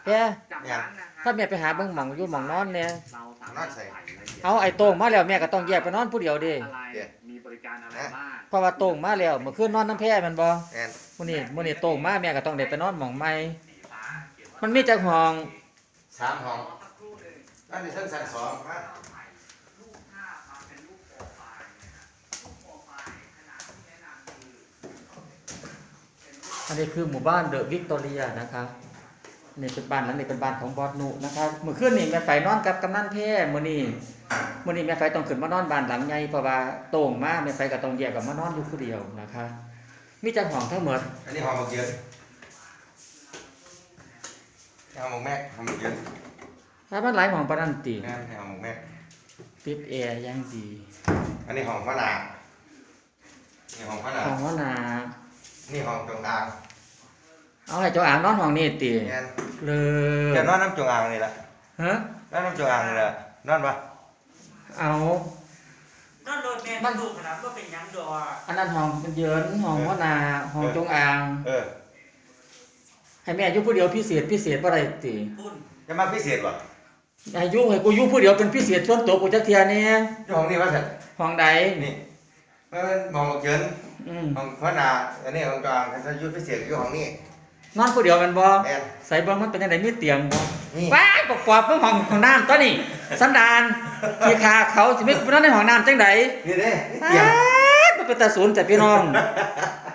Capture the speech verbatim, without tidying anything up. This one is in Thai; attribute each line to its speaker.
Speaker 1: แกถ้าแม่ไปหาเบิ่งหม่องอยู่หม่องนอนเนี่ย
Speaker 2: นอนใส่
Speaker 1: เอาไอ้โต้งมาแล้วแม่ก็ต้องแยกไปนอนผู้เดียวเด้
Speaker 3: มีบริการอะไรบ้าง
Speaker 1: เพราะว่าโต้งมาแล้วเมื่อคืนนอนน้ำแพร่แม่นบ่
Speaker 2: แอน
Speaker 1: มื้อนี้มื้อนี้โต้งมาแม่ก็ต้องได้ไปนอนหม่องใหม่มันมีจักห้อง
Speaker 2: สามห้องอันนี้ชั้นชั้นสองฮะ
Speaker 1: อันนี้คือหมู่บ้านเดอะวิกตอเรียนะคะนี่เป็นบ้านหลังนี้เป็นบ้านของบอสนุนะคะเมื่อคืนนี่แม่ไฟนอนกับกำนันแพร่มื้อนี้มื้อนี้แม่ไฟต้องขึ้นมานอนบ้านหลังใหญ่เพราะว่าโต้งมาแม่ไฟก็ต้องแยกกับมานอนอยู่ผู้เดียวนะคะมีจักห้องทั้งหมด
Speaker 2: อันนี้ห้องหมกเยอะห้องหมกแม็กห้องหมกเยอะ
Speaker 1: ถ้ามันหลายห้องปานนั้นติ
Speaker 2: งานห้องหมกแม็ก
Speaker 1: ติดแอร์อย่างดี
Speaker 2: อันนี้ห้องพระนานี่ห้องพระนา
Speaker 1: ห้องว่านา
Speaker 2: นี่ห้องจงอาง
Speaker 1: เอาให้เจ้าอ่างนอนห้องนี้ติ
Speaker 2: แอน
Speaker 1: เลย
Speaker 2: จะนอนน้ำจงอางนี่แหละ
Speaker 1: ฮะ
Speaker 2: นอนน้ำจงอางนี่แหละนอนปะ
Speaker 1: เอา
Speaker 4: นอนโดนแม่มันดูขนาดก็เป็นยังดอ
Speaker 1: อันนั้นห้องมันเยินห้องว่านาห้องจงอาง
Speaker 2: เออ
Speaker 1: ให้แม่อยู่ผู้เดียวพิเศษพิเศษบ่ได้ติ
Speaker 4: พุ่น
Speaker 2: จะมาพิเศษปะ
Speaker 1: ให้อยู่ให้กูอยู่ผู้เดียวเป็นพิเศษส่วนตัวกูจักเที่ยแน่
Speaker 2: อยู่ห้องนี้วะสัตว์
Speaker 1: ห้องใด
Speaker 2: นี่มันเป็นห้องหมกเยอะ
Speaker 1: อืม
Speaker 2: ห้องพระนาอันนี้ห้องกลางถ้าอยู่พิเศษอยู่ห้องนี้
Speaker 1: นอนผู้เดียวแม่นบ่
Speaker 2: แอน
Speaker 1: ใส่เบิ่งมันเป็นจังไดมีเตียงบ่
Speaker 2: นี่
Speaker 1: ว้ายปกอบเบิ่งห้องห้องน้ำตัวนี้สันดานที่ขาเขาสิไปนอนในห้องน้ำจังได๋
Speaker 2: นี่เด้นี่
Speaker 1: อ้า
Speaker 2: เตียง
Speaker 1: วมันเป็นตาศูนย์แต่พี่น้อง